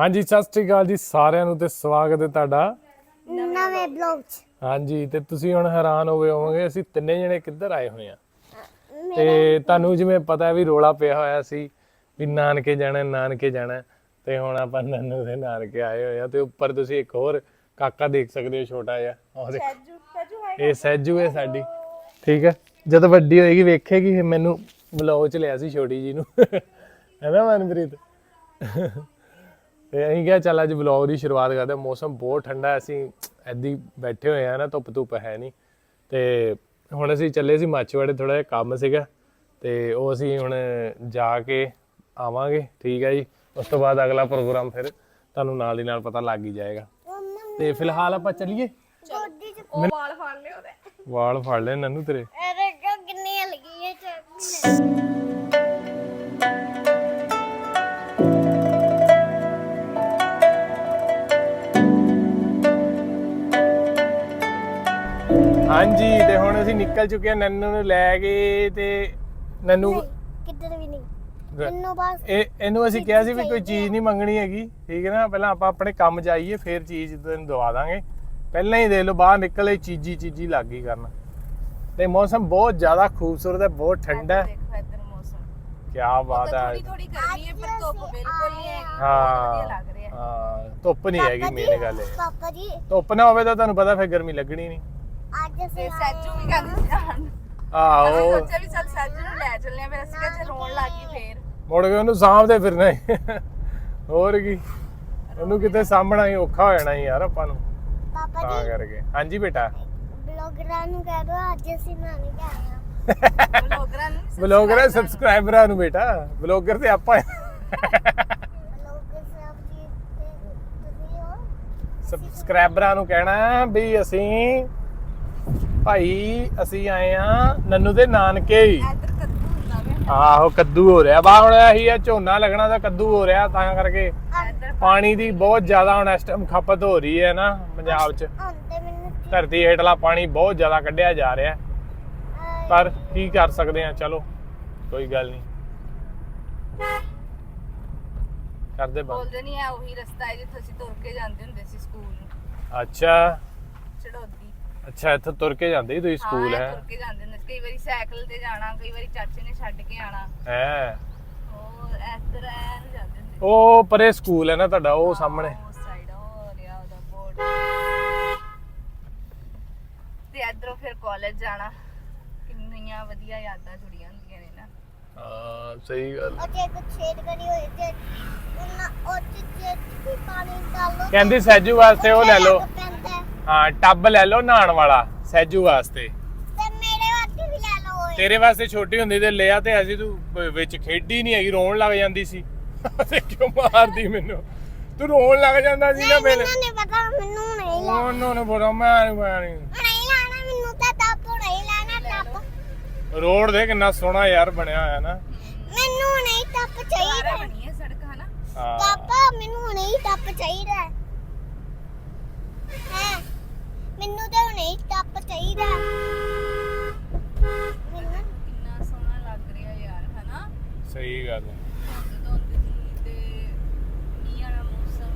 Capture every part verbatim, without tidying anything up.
ਹਾਂਜੀ ਸਤਿ ਸ਼੍ਰੀ ਅਕਾਲ ਜੀ ਸਾਰਿਆਂ ਨੂੰ ਤੇ ਸਵਾਗਤ ਹੈ ਤੁਹਾਡਾ ਨਵੇਂ ਬਲੌਗ 'ਚ। ਹਾਂਜੀ ਤੇ ਤੁਸੀਂ ਹੁਣ ਹੈਰਾਨ ਹੋਵੇ ਹੋਵੋਗੇ ਅਸੀਂ ਤਿੰਨੇ ਜਣੇ ਕਿੱਧਰ ਆਏ ਹੋਏ ਆ ਤੇ ਤੁਹਾਨੂੰ ਜਿਵੇਂ ਪਤਾ ਵੀ ਰੋਲਾ ਪਿਆ ਹੋਇਆ ਸੀ ਵੀ ਨਾਨਕੇ ਜਾਣਾ ਨਾਨਕੇ ਜਾਣਾ ਤੇ ਹੁਣ ਆਪਾਂ ਨੰਨੂ ਦੇ ਨਾਨਕੇ ਆਏ ਹੋਏ ਆ ਤੇ ਉੱਪਰ ਤੁਸੀਂ ਇੱਕ ਹੋਰ ਕਾਕਾ ਦੇਖ ਸਕਦੇ ਹੋ ਛੋਟਾ ਜਿਹਾ ਉਹ ਦੇਖੋ ਇਹ ਸਹਿਜੂ ਹੈ ਸਾਡੀ ਠੀਕ ਹੈ ਜਦੋਂ ਵੱਡੀ ਹੋਏਗੀ ਵੇਖੇਗੀ ਮੈਨੂੰ ਬਲੌਗ ਚ ਲਿਆ ਸੀ ਛੋਟੀ ਜੀ ਨੂੰ ਹੈ ਨਾ ਮਨਪ੍ਰੀਤ ਤੇ ਅਸੀਂ ਕਿਹਾ ਚੱਲ ਅੱਜ ਵਲੌਗ ਦੀ ਸ਼ੁਰੂਆਤ ਕਰਦੇ ਹਾਂ। ਮੌਸਮ ਬਹੁਤ ਠੰਡਾ ਹੈ, ਅਸੀਂ ਐਦੀ ਬੈਠੇ ਹੋਏ ਆ ਨਾ, ਧੁੱਪ ਧੁੱਪ ਹੈ ਨਹੀਂ ਤੇ ਹੁਣ ਅਸੀਂ ਚੱਲੇ ਸੀ ਮਾਛੀਵਾੜੇ, ਥੋੜਾ ਜਿਹਾ ਕੰਮ ਸੀਗਾ ਤੇ ਉਹ ਅਸੀਂ ਹੁਣ ਜਾ ਕੇ ਆਵਾਂਗੇ। ਠੀਕ ਹੈ ਜੀ, ਉਸ ਤੋਂ ਬਾਅਦ ਅਗਲਾ ਪ੍ਰੋਗਰਾਮ ਫਿਰ ਤੁਹਾਨੂੰ ਨਾਲ ਦੀ ਨਾਲ ਪਤਾ ਲੱਗ ਹੀ ਜਾਏਗਾ। ਤੇ ਫਿਲਹਾਲ ਆਪਾਂ ਚੱਲੀਏ। ਉਹ ਵਾਲ ਫੜ ਲਿਓ ਤੇ ਵਾਲ ਫੜ ਲੈ ਨੰਨੂ ਤੇਰੇ। ਅਰੇ ਕਿੰਨੀ ਹਲਕੀ ਹੈ। ਹਾਂਜੀ ਤੇ ਹੁਣ ਅਸੀਂ ਨਿਕਲ ਚੁੱਕੇ ਹਾਂ ਨੰਨੂ ਨੂੰ ਲੈ ਕੇ ਤੇ ਨੰਨੂ ਕਿੱਧਰ ਵੀ ਨਹੀਂ ਮੈਨੂੰ ਬਸ ਇਹ ਇਹਨੂੰ ਅਸੀਂ ਕਿਹਾ ਸੀ ਵੀ ਕੋਈ ਚੀਜ਼ ਨਹੀਂ ਮੰਗਣੀ ਹੈਗੀ, ਠੀਕ ਹੈ ਨਾ, ਪਹਿਲਾਂ ਆਪਾਂ ਆਪਣੇ ਕੰਮ ਜਾਈਏ ਫਿਰ ਚੀਜ਼ ਤੈਨੂੰ ਦਵਾ ਦਾਂਗੇ। ਪਹਿਲਾਂ ਹੀ ਦੇ ਲਓ ਬਾਹਰ ਨਿਕਲੇ ਚੀਜ਼ੀ ਚੀਜ਼ੀ ਲੱਗ ਗਈ ਕਰਨ। ਤੇ ਮੌਸਮ ਬਹੁਤ ਜ਼ਿਆਦਾ ਖੂਬਸੂਰਤ ਹੈ, ਬਹੁਤ ਠੰਡਾ ਹੈ। ਦੇਖੋ ਇੱਧਰ ਮੌਸਮ ਕੀ ਬਾਤ ਹੈ। ਥੋੜੀ ਥੋੜੀ ਗਰਮੀ ਹੈ ਪਰ ਧੁੱਪ ਬਿਲਕੁਲ ਨਹੀਂ ਹੈ। ਹਾਂ ਵਧੀਆ ਲੱਗ ਰਿਹਾ ਹਾਂ ਧੁੱਪ ਨਹੀਂ ਹੈਗੀ, ਮੇਨ ਗੱਲ ਹੈ ਪਾਪਾ ਜੀ ਧੁੱਪ ਨਾ ਹੋਵੇ ਤਾਂ ਤੁਹਾਨੂੰ ਪਤਾ ਫਿਰ ਗਰਮੀ ਲੱਗਣੀ ਨਹੀਂ। ਅੱਜ ਅਸੀਂ ਤੇ ਸੈਜੂ ਵੀ ਕਹਿੰਦੇ ਸੀ ਜਾਣ। ਆਹੋ ਅਸੀਂ ਸੋਚਿਆ ਵੀ ਚੱਲ ਸੈਜੂ ਨੂੰ ਲੈ ਚੱਲਨੇ ਆ, ਫਿਰ ਅਸੀਂ ਕਿਹਾ ਜੇ ਰੋਣ ਲੱਗ ਗਈ ਫੇਰ ਮੁੜ ਕੇ ਉਹਨੂੰ ਸਾਂਭਦੇ ਫਿਰਨਾ ਹੀ। ਹੋਰ ਕੀ, ਉਹਨੂੰ ਕਿਤੇ ਸਾਂਭਣਾ ਹੀ ਔਖਾ ਹੋ ਜਾਣਾ ਹੀ ਯਾਰ ਆਪਾਂ ਨੂੰ, ਪਾਪਾ ਤਾਂ ਜੀ ਕਰਕੇ। ਹਾਂਜੀ ਬੇਟਾ ਬਲੌਗਰਾਂ ਨੂੰ ਕਹਿ ਦੋ ਅੱਜ ਅਸੀਂ ਨਾਨੀ ਘਰ ਆਏ ਬਲੌਗਰਾਂ ਨੂੰ ਬਲੌਗਰ ਸਬਸਕ੍ਰਾਈਬਰਾਂ ਨੂੰ ਬੇਟਾ, ਬਲੌਗਰ ਤੇ ਆਪਾਂ ਬਲੌਗਰ ਸਾਹਿਬ ਜੀ ਤੇ ਤੁਸੀਂ ਹੋ ਸਬਸਕ੍ਰਾਈਬਰਾਂ ਨੂੰ ਕਹਿਣਾ ਵੀ ਅਸੀਂ ਭਾਈ ਅਸੀਂ ਆਏ ਆ ਨੰਨੂ ਦੇ ਨਾਨਕੇ ਹੀ। ਇੱਧਰ ਕੱਦੂ ਹੁੰਦਾ ਵੇ। ਆਹੋ ਕੱਦੂ ਹੋ ਰਿਹਾ ਬਾ ਹੁਣ ਇਹੀ ਆ, ਝੋਨਾ ਲੱਗਣਾ ਤਾਂ ਕੱਦੂ ਹੋ ਰਿਹਾ, ਤਾਂ ਕਰਕੇ ਇੱਧਰ ਪਾਣੀ ਦੀ ਬਹੁਤ ਜ਼ਿਆਦਾ ਹੁਣ ਇਸ ਟਾਈਮ ਖਪਤ ਹੋ ਰਹੀ ਹੈ ਨਾ ਪੰਜਾਬ 'ਚ। ਹੁਣ ਤੇ ਮੈਨੂੰ ਧਰਤੀ ਹੇਠਲਾ ਪਾਣੀ ਬਹੁਤ ਜ਼ਿਆਦਾ ਕੱਢਿਆ ਜਾ ਰਿਹਾ, ਅਹ, ਪਰ ਕੀ ਕਰ ਸਕਦੇ ਆ, ਚਲੋ ਕੋਈ ਗੱਲ ਨਹੀਂ, ਕਰਦੇ ਬੰਦ। ਬੋਲਦੇ ਨਹੀਂ ਹੈ ਉਹੀ ਰਸਤਾ ਹੈ ਜਿੱਥੇ ਅਸੀਂ ਤੁਰ ਕੇ ਜਾਂਦੇ ਹੁੰਦੇ ਸੀ ਸਕੂਲ ਨੂੰ, ਅੱਛਾ ਚੜੋਦੀ। ਅੱਛਾ ਇੱਥੇ ਤੁਰ ਕੇ ਜਾਂਦੇ ਸੀ ਤੁਸੀਂ ਸਕੂਲ? ਹਾਂ, ਹੈ ਤੁਰ ਕੇ ਜਾਂਦੇ ਹੁੰਦੇ ਸੀ, ਕਈ ਵਾਰੀ ਸਾਈਕਲ ਤੇ ਜਾਣਾ, ਕਈ ਵਾਰੀ ਚਾਚੇ ਨੇ ਛੱਡ ਕੇ ਆਣਾ। ਹੈ ਉਹ ਇੱਧਰ ਐ ਨੂੰ ਜਾਂਦੇ ਹੁੰਦੇ ਸੀ। ਉਹ ਪਰੇ ਸਕੂਲ ਹੈ ਨਾ ਤੁਹਾਡਾ, ਉਹ ਸਾਹਮਣੇ। ਉਸ ਸਾਈਡ ਉਹ ਰਿਹਾ ਉਹਦਾ ਬੋਰਡ। ਤੇ ਇੱਧਰੋਂ ਫਿਰ ਕਾਲਜ ਜਾਣਾ, ਕਿੰਨੀਆਂ ਵਧੀਆ ਯਾਦਾਂ ਜੁੜੀਆਂ ਹੁੰਦੀਆਂ ਨੇ ਨਾ। ਹਾਂ ਸਹੀ ਗੱਲ। ਉਹ ਜੇ ਕੁਛ ਛੇੜ ਕਰੀ ਹੋਏ ਤੇ ਉਹਨਾਂ ਉਹ ਚ ਜੇ ਪਾਣੀ ਡਾਲੋ ਕਹਿੰਦੀ ਸੈਜੂ ਵਾਸਤੇ ਉਹ ਲੈ ਲਓ, ਪੈਂਦਾ ਹੈ। ਹਾਂ ਟੱਬ ਲੈ ਲਓ ਨਹਾਉਣ ਵਾਲਾ ਸੈਜੂ ਵਾਸਤੇ। ਤੇ ਮੇਰੇ ਵਾਸਤੇ ਵੀ ਲੈ ਲਓ ਓਏ। ਤੇਰੇ ਵਾਸਤੇ ਛੋਟੀ ਹੁੰਦੀ ਤੇ ਲਿਆ ਤੇ ਅਸੀਂ, ਤੂੰ ਵ- ਵਿੱਚ ਖੇਡੀ ਨਹੀਂ ਹੈਗੀ, ਰੋਣ ਲੱਗ ਜਾਂਦੀ ਸੀ। ਤੇ ਕਿਉਂ ਮਾਰਦੀ ਮੈਨੂੰ, ਤੂੰ ਰੋਣ ਲੱਗ ਜਾਂਦਾ ਸੀ ਨਾ ਮੇਰੇ। ਮੈਨੂੰ ਨਹੀਂ ਪਤਾ, ਮੈਨੂੰ ਨਹੀਂ ਲੈਣਾ। ਉਹਨੂੰ ਨੂੰ ਬੋਲੋ ਮੈਂ ਮੈਂ ਨਹੀਂ। ਨਹੀਂ ਲੈਣਾ ਮੈਨੂੰ ਤਾਂ ਟੱਪ ਨਹੀਂ ਲੈਣਾ ਟੱਪ। ਰੋਡ ਦੇ ਕਿੰਨਾ ਸੋਹਣਾ ਯਾਰ ਬਣਿਆ ਹੋਇਆ ਨਾ। ਮੈਨੂੰ ਨਹੀਂ ਟੱਪ ਚਾਹੀਦਾ। ਸਾਰਾ ਬਣੀ ਹੈ ਸੜਕ ਹਨਾ। ਹਾਂ ਪਾਪਾ ਮੈਨੂੰ ਨਹੀਂ ਟੱਪ ਚਾਹੀਦਾ ਹੈ। ਮੈਨੂੰ ਤਾਂ ਨਹੀਂ ਟੱਪ ਚਾਹੀਦਾ। ਮੈਨੂੰ ਕਿੰਨਾ ਸੋਹਣਾ ਲੱਗ ਰਿਹਾ ਯਾਰ ਹਨਾ। ਸਹੀ ਗੱਲ ਹੈ। ਧੁੰਦ ਧੁੰਦ ਜੀ ਤੇ ਮੀਂਹ ਵਾਲਾ ਮੌਸਮ।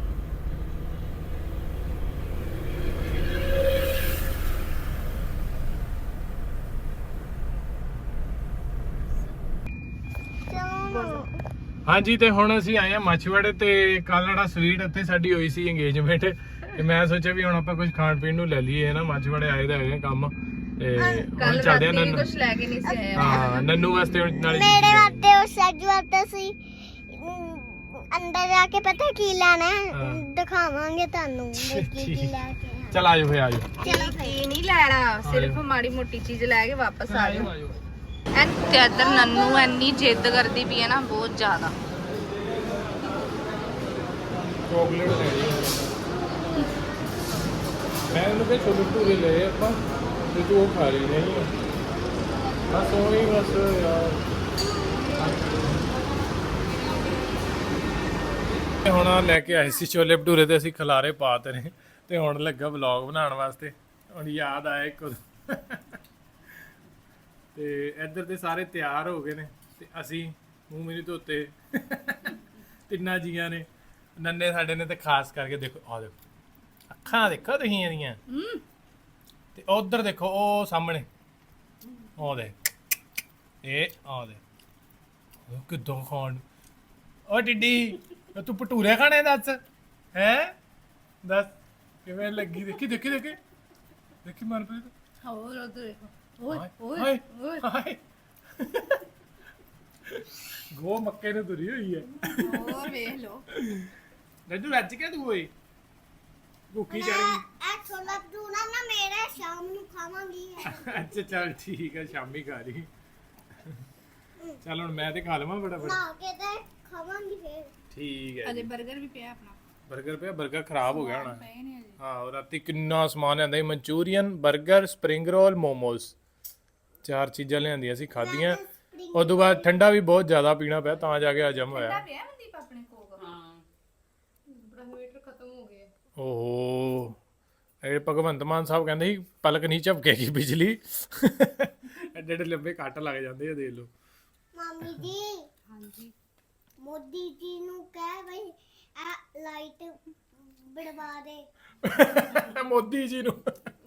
ਚਲੋ ਹਾਂਜੀ ਤੇ ਹੁਣ ਅਸੀਂ ਆਏ ਆ ਮਾਛੀਵਾੜੇ ਤੇ ਕੱਲ ਜਿਹੜਾ ਸਵੀਟ ਉੱਥੇ ਸਾਡੀ ਹੋਈ ਸੀ ਇੰਗੇਜਮੈਂਟ, ਤੇ ਮੈਂ ਸੋਚਿਆ ਵੀ ਹੁਣ ਆਪਾਂ ਕੁਝ ਖਾਣ ਪੀਣ ਨੂੰ ਲੈ ਲਈਏ ਨਾ, ਮਾਛੀਵਾੜੇ ਆਏ ਦਾ ਹੈਗੇ ਕੰਮ ਤੇ ਹੁਣ ਕੱਲ ਚੱਲਦੇ ਆ ਰਾਤੀ ਵੀ ਨੰਨੂ। ਕੁਝ ਲੈ ਕੇ ਨਹੀਂ ਸੀ ਆਇਆ। ਹਾਂ ਨੰਨੂ ਵਾਸਤੇ ਹੁਣ ਨਾਲੇ ਮੇਰੇ ਵਾਸਤੇ ਉਹ ਸੱਜ ਵਾਸਤੇ ਸੀ ਅਮ, ਅੰਦਰ ਜਾ ਕੇ ਪਤਾ ਕੀ ਲੈਣਾ ਹੈ? ਹਾਂ। ਦਿਖਾਵਾਂਗੇ ਤੁਹਾਨੂੰ ਵੀ ਕੀ ਕੀ ਲੈ ਕੇ ਆਏ। ਚਲ ਆਜੋ ਫੇ ਆਜੋ ਚਲੋ ਕੀ ਨਹੀਂ ਲੈਣਾ, ਸਿਰਫ ਮਾੜੀ ਮੋਟੀ ਚੀਜ਼ ਲੈ ਕੇ ਵਾਪਸ ਆ ਜਾਓ। ਐਨ ਤੇ ਇੱਧਰ ਨੰਨੂ ਐਨੀ ਜਿੱਦ ਕਰਦੀ ਪਈ ਹੈ ਨਾ ਬਹੁਤ ਜ਼ਿਆਦਾ। ਚੋਕਲੇਟ ਲੈਣੀ ਹੈ ਮੈਂ ਉਹਨੂੰ ਕਿਹਾ ਛੋਲੇ ਭਟੂਰੇ ਲਏ ਆਪਾਂ ਤੇ ਤੂੰ ਉਹ ਖਾ ਲਈ ਨਹੀਂ ਬਸ ਉਹੀ ਬਸ ਯਾਰ। ਹੁਣ ਆਹ ਲੈ ਕੇ ਆਏ ਸੀ ਛੋਲੇ ਭਟੂਰੇ ਤੇ ਅਸੀਂ ਖਲਾਰੇ ਪਾਤੇ ਨੇ ਤੇ ਹੁਣ ਲੱਗਾ ਵਲੌਗ ਬਣਾਉਣ ਵਾਸਤੇ। ਹੁਣ ਯਾਦ ਆਇਆ ਇੱਕ ਉਦੋਂ। ਤੇ ਇੱਧਰ ਤੇ ਸਾਰੇ ਤਿਆਰ ਹੋ ਗਏ ਨੇ ਤੇ ਅਸੀਂ ਮੂੰਹ ਮੇਰੀ ਧੋਤੇ ਤਿੰਨਾਂ ਜੀਆਂ ਨੇ ਨੰਨੇ ਸਾਡੇ ਨੇ ਤੇ ਖਾਸ ਕਰਕੇ ਦੇਖੋ ਆ ਦੇਖੋ ਅੱਖਾਂ ਦੇਖੋ ਤੁਸੀਂ ਇਹਦੀਆਂ ਤੇ ਉਧਰ ਦੇਖੋ ਉਹ ਸਾਹਮਣੇ ਉਹ ਦੇ ਇਹ ਆ ਦੇ ਉਹ ਕਿੱਦਾਂ ਖਾਣ ਓ ਟਿੱਡੀ ਤੂੰ ਭਟੂਰੇ ਖਾਣੇ ਦੱਸ ਹੈ ਦੱਸ ਕਿਵੇਂ ਲੱਗੀ ਦੇਖੀ ਦੇਖੀ ਦੇਖੀ ਦੇਖੀ ਮਨਪ੍ਰੀਤ ਹੋਰ ਉਧਰ ਦੇਖੋ ਓਏ ਓਏ ਓਏ ਹਾਏ ਗੋ ਮੱਕੇ ਨੂੰ ਤੁਰੀ ਹੋਈ ਹੈ ਹੋਰ ਵੇਖ ਲੋ ਰੱਜੂ ਰੱਜ ਕੇ ਤੂੰ ਓਏ ਭੁੱਖੀ ਚੜ ਗਈ ਇਹ ਛੋਲਾ ਭਟੂਰਾ ਨਾ ਮੇਰਾ ਸ਼ਾਮ ਨੂੰ ਖਾਵਾਂਗੀ ਅੱਛਾ ਚੱਲ ਠੀਕ ਹੈ ਸ਼ਾਮੀ ਖਾ ਲਈ ਚੱਲ ਹੁਣ ਮੈਂ ਤੇ ਖਾ ਲਵਾਂ ਫਟਾਫਟ ਨਾ ਕੇ ਤੇ ਖਾਵਾਂਗੀ ਫੇਰ ਠੀਕ ਹੈ ਅਜੇ 버ਗਰ ਵੀ ਪਿਆ ਆਪਣਾ 버ਗਰ ਪਿਆ 버ਗਰ ਖਰਾਬ ਹੋ ਗਿਆ ਹੋਣਾ ਪਏ ਨਹੀਂ ਅਜੇ ਹਾਂ ਉਹ ਰਾਤੀ ਕਿੰਨਾ ਸਮਾਨ ਲਿਆਂਦਾ ਸੀ ਮਨਚੂਰੀਅਨ 버ਗਰ ਸਪਰਿੰਗ ਰੋਲ ਮੋਮੋਸ ਚਾਰ ਚੀਜ਼ਾਂ ਲਿਆਂਦੀਆਂ ਸੀ ਖਾਧੀਆਂ ਉਸ ਤੋਂ ਬਾਅਦ ਠੰਡਾ ਵੀ ਬਹੁਤ ਜ਼ਿਆਦਾ ਪੀਣਾ ਪਿਆ ਤਾਂ ਜਾ ਕੇ ਹਜਮ ਹੋਇਆ ਪਿਆ ਮਨਦੀਪ ਆਪਣੇ ਕੋਲ ਹਾਂ ਬ੍ਰਹਮੀਟਰ ਖਤਮ ਹੋ ਗਏ ਓਹੋ ਇਹ ਭਗਵੰਤ ਮਾਨ ਸਾਹਿਬ ਕਹਿੰਦੇ ਸੀ ਪਲਕ ਨਹੀਂ ਝਪਕੇਗੀ ਬਿਜਲੀ ਐਡੇ ਐਡੇ ਲੰਬੇ ਕੱਟ ਲੱਗ ਜਾਂਦੇ ਆ ਦੇਖ ਲਓ ਮਾਮੀ ਜੀ ਹਾਂਜੀ ਮੋਦੀ ਜੀ ਨੂੰ ਕਹਿ ਬਈ ਆ ਲਾਈਟ ਬੜਵਾ ਦੇ ਮੋਦੀ ਜੀ ਨੂੰ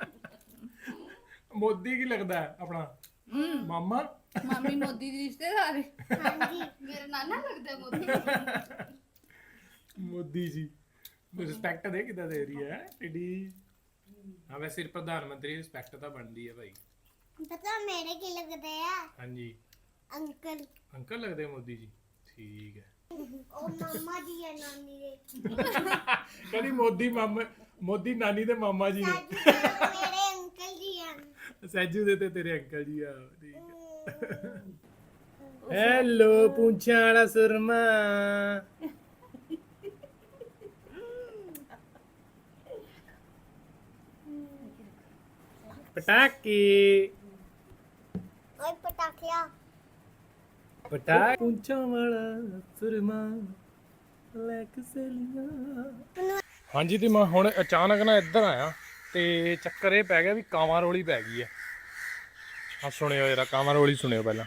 ਮੋਦੀ ਕੀ ਲੱਗਦਾ ਹੈ ਆਪਣਾ ਮਾਮਾ ਮਾਮੀ ਮੋਦੀ ਦੀ ਰਿਸ਼ਤੇਦਾਰ ਹਾਂਜੀ ਮੇਰਾ ਨਾਨਾ ਲੱਗਦਾ ਮੋਦੀ ਮੋਦੀ ਜੀ ਰਿਸਪੈਕਟ ਦੇ ਕਿਦਾਂ ਦੇ ਰਹੀ ਹੈ ਟਿੱਡੀ ਹਾਂ ਵੈਸੇ ਸਿਰ ਪ੍ਰਧਾਨ ਮੰਤਰੀ ਰਿਸਪੈਕਟ ਤਾਂ ਬਣਦੀ ਹੈ ਭਾਈ ਪਤਾ ਮੇਰੇ ਕੀ ਲੱਗਦੇ ਆ ਹਾਂਜੀ ਅੰਕਲ ਅੰਕਲ ਲੱਗਦੇ ਮੋਦੀ ਜੀ ਠੀਕ ਹੈ ਉਹ ਮਾਮਾ ਜੀ ਆ ਨਾਨੀ ਦੇ ਕਹਿੰਦੀ ਮੋਦੀ ਮਾਮਾ ਮੋਦੀ ਨਾਨੀ ਦੇ ਮਾਮਾ ਜੀ ਨੇ ਸਾਜੂ ਮੇਰੇ ਅੰਕਲ ਜੀ ਆ ਸੈਜੂ ਦੇ ਤੇ ਤੇਰੇ ਅੰਕਲ ਜੀ ਆ ਹੈਲੋ ਪੁੰਛਾਂ ਵਾਲਾ ਸੁਰਮਾ ਪਟਾਕੇ ਓਏ ਪਟਾਕਿਆ ਪਟਾਕ ਪੁੰਛਾਂ ਵਾਲਾ ਸੁਰਮਾ ਲੈ ਕੇ ਸਲੀਆਂ ਹਾਂਜੀ ਤੇ ਮੈਂ ਹੁਣ ਅਚਾਨਕ ਨਾ ਇੱਧਰ ਆਇਆ ਤੇ ਚੱਕਰ ਇਹ ਪੈ ਗਿਆ ਵੀ ਕਾਵਾਂ ਰੋਲੀ ਪੈ ਗਈ ਹੈ ਆ ਸੁਣਿਓ ਜਰਾ ਕਾਵਾਂ ਰੋਲੀ ਸੁਣਿਓ ਪਹਿਲਾਂ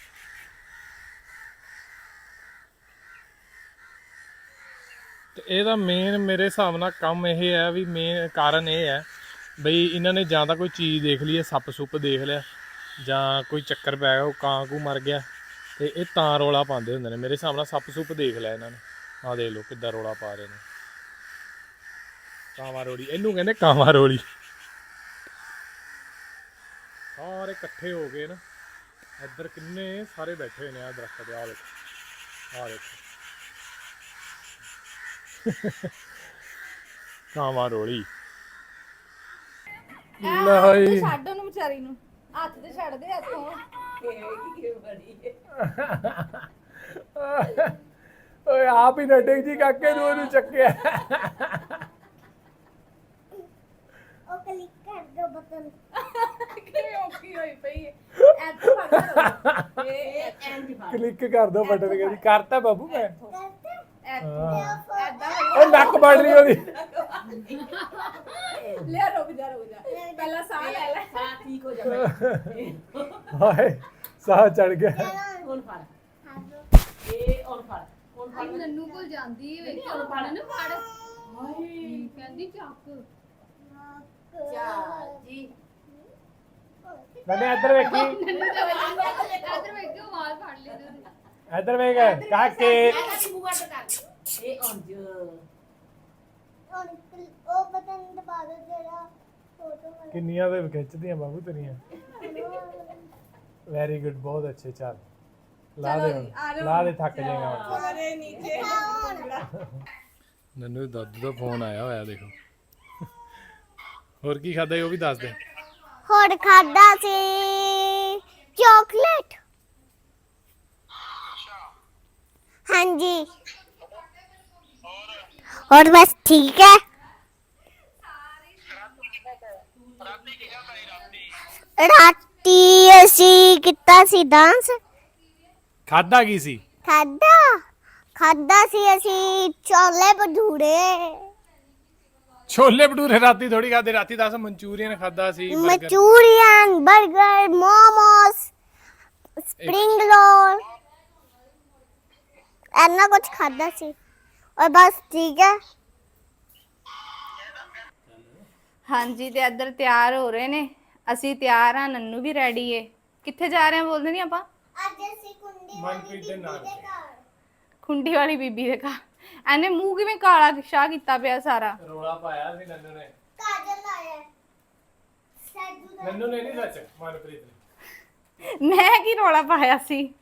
ਤੇ ਇਹਦਾ ਮੇਨ ਮੇਰੇ ਹਿਸਾਬ ਨਾਲ ਕੰਮ ਇਹ ਹੈ ਵੀ ਮੇਨ ਕਾਰਨ ਇਹ ਹੈ ਬਈ ਇਹਨਾਂ ਨੇ ਜਾਂ ਤਾਂ ਕੋਈ ਚੀਜ਼ ਦੇਖ ਲਈ ਹੈ ਸੱਪ ਸੁੱਪ ਦੇਖ ਲਿਆ ਜਾਂ ਕੋਈ ਚੱਕਰ ਪੈ ਗਿਆ ਉਹ ਕਾਂ ਕੂ ਮਰ ਗਿਆ ਤੇ ਇਹ ਤਾਂ ਰੋਲਾ ਪਾਉਂਦੇ ਹੁੰਦੇ ਨੇ ਮੇਰੇ ਹਿਸਾਬ ਨਾਲ ਸੱਪ ਸੁੱਪ ਦੇਖ ਲਿਆ ਇਹਨਾਂ ਨੇ ਆਹ ਦੇਖ ਲਓ ਕਿੱਦਾਂ ਰੋਲਾ ਪਾ ਰਹੇ ਨੇ ਕਾਵਾਂ ਰੋਲੀ ਇਹਨੂੰ ਕਹਿੰਦੇ ਕਾਵਾਂ ਰੋਲੀ ਸਾਰੇ ਇਕੱਠੇ ਹੋ ਗਏ ਨਾ ਇੱਧਰ ਕਿੰਨੇ ਸਾਰੇ ਬੈਠੇ ਹੋਏ ਨੇ ਆ ਦਰਖਤ ਦੇ ਆ ਦੇਖੋ ਆ ਦੇਖੋ ਕਾਵਾਂ ਰੋਲੀ ਲੈ ਛੱਡ ਉਹਨੂੰ ਵਿਚਾਰੀ ਨੂੰ ਹੱਥ ਤੇ ਛੱਡ ਦੇ ਹੱਥੋਂ ਓਏ ਆਪ ਹੀ ਨਟਕ ਜੀ ਕਾਕੇ ਨੂੰ ਉਹਨੂੰ ਚੱਕਿਆ ਉਹ ਕਲਿੱਕ ਕਰ ਦੋ ਬਟਨ ਕਿਵੇਂ ਔਖੀ ਹੋਈ ਪਈ ਹੈ ਐਦਾਂ ਫੜ ਇਹ ਐਂਡ ਕਲਿੱਕ ਕਰ ਦੋ ਬਟਨ ਕਹਿੰਦੀ ਕਰਤਾ ਬਾਬੂ ਮੈਂ ਕਰਤਾ ਐਦਾਂ ਉਹ ਨੱਕ ਵੱਢ ਰਹੀ ਉਹਦੀ ਲੈ ਰੁਕ ਜਾ ਰੁਕ ਜਾ ਪਹਿਲਾਂ ਸਾਹ ਲੈ ਲੈ ਸਾਹ ਠੀਕ ਹੋ ਜਾਵੇ ਹਾਏ ਸਾਹ ਚੜ ਗਿਆ ਹੁਣ ਫੜ ਹਾਂ ਇਹ ਔਰ ਫੜ ਹੁਣ ਫੜ ਨੰਨੂ ਕੋਲ ਜਾਂਦੀ ਹੈ ਵੇਖ ਹੁਣ ਫੜ ਨਾ ਫੜ ਹਾਏ ਕਹਿੰਦੀ ਚੱਕ ਚਾ ਜੀ ਨੰਨੇ ਇੱਧਰ ਵੇਖੀ ਇੱਧਰ ਵੇਖ ਕੇ ਵਾਲ ਫੜ ਲੈ ਤੇ ਇੱਧਰ ਵੇਖ ਕਾਕੇ ਇਹਦਾ ਵੀ ਮੂੰਹ ਅੱਡ ਕਰ ਇਹ ਔਂਜ ਹੁਣ ਉਹ ਬਟਨ ਦਬਾ ਦੋ ਜਿਹੜਾ ਫੋਟੋ ਵਾਲਾ ਕਿੰਨੀਆਂ ਦੇ ਖਿੱਚਦੀਆਂ ਬਾਬੂ ਤੇਰੀਆਂ ਵੈਰੀ ਗੁੱਡ ਬਹੁਤ ਅੱਛੇ ਚੱਲ ਲਾ ਦੇ ਹੁਣ ਲਾ ਦੇ ਥੱਕ ਜਾਏਗਾ ਹੁਣ ਅਰੇ ਨੀਚੇ ਨੰਨੂ ਦੇ ਦਾਦੂ ਦਾ ਫੋਨ ਆਇਆ ਹੋਇਆ ਦੇਖੋ ਹੋਰ ਕੀ ਖਾਦਾ ਉਹ ਵੀ ਦੱਸ ਦੇ ਹੋਰ ਖਾਦਾ ਸੀ ਚਾਕਲੇਟ ਹਾਂਜੀ और बस ठीक है राती ਅਸੀਂ ਕੀਤਾ ਸੀ ਡਾਂਸ ਖਾਦਾ ਕੀ ਸੀ ਖਾਦਾ ਖਾਦਾ ਸੀ ਅਸੀਂ ਛੋਲੇ ਭਟੂਰੇ ਛੋਲੇ ਭਟੂਰੇ ਰਾਤੀ ਥੋੜੀ ਖਾਦੇ ਰਾਤੀ ਦੱਸ ਮਨਚੂਰੀਅਨ ਖਾਦਾ ਸੀ burger- ਮਚੂਰੀਅਨ 버ਗਰ ਮੋਮੋਸ ਸਪਰਿੰਗ ਰੋਲ ਐਨਾ ਕੁਝ ਖਾਦਾ ਸੀ और बस ठीक है। ਹਾਂਜੀ ਤੇ ਇੱਧਰ ਤਿਆਰ ਹੋ ਰਹੇ ਨੇ, ਅਸੀਂ ਤਿਆਰ ਆ, ਨੰਨੂ ਵੀ ਰੈਡੀ ਏ। ਕਿੱਥੇ ਜਾ ਰਹੇ ਆ ਬੋਲਦੇ ਨਹੀਂ ਆਪਾਂ? आज ऐसी कुंडी ਮਨਪ੍ਰੀਤ ਦੇ ਨਾਲ ਖੁੰਡੀ ਵਾਲੀ ਬੀਬੀ ਦੇ ਘਰ। ਐਨੇ ਮੂੰਹ ਕਿਵੇਂ ਕਾਲਾ ਸ਼ਾਹ ਕੀਤਾ ਪਿਆ ਸਾਰਾ। ਰੋਲਾ ਪਾਇਆ ਸੀ ਨੰਨੂ ਨੇ। काजल लाया है सैजू दा ਨੰਨੂ ਨੇ ਨਹੀਂ ਸੱਚ, ਮਨਪ੍ਰੀਤ ਨੇ। ਮੈਂ ਕੀ ਰੋਲਾ ਪਾਇਆ ਸੀ?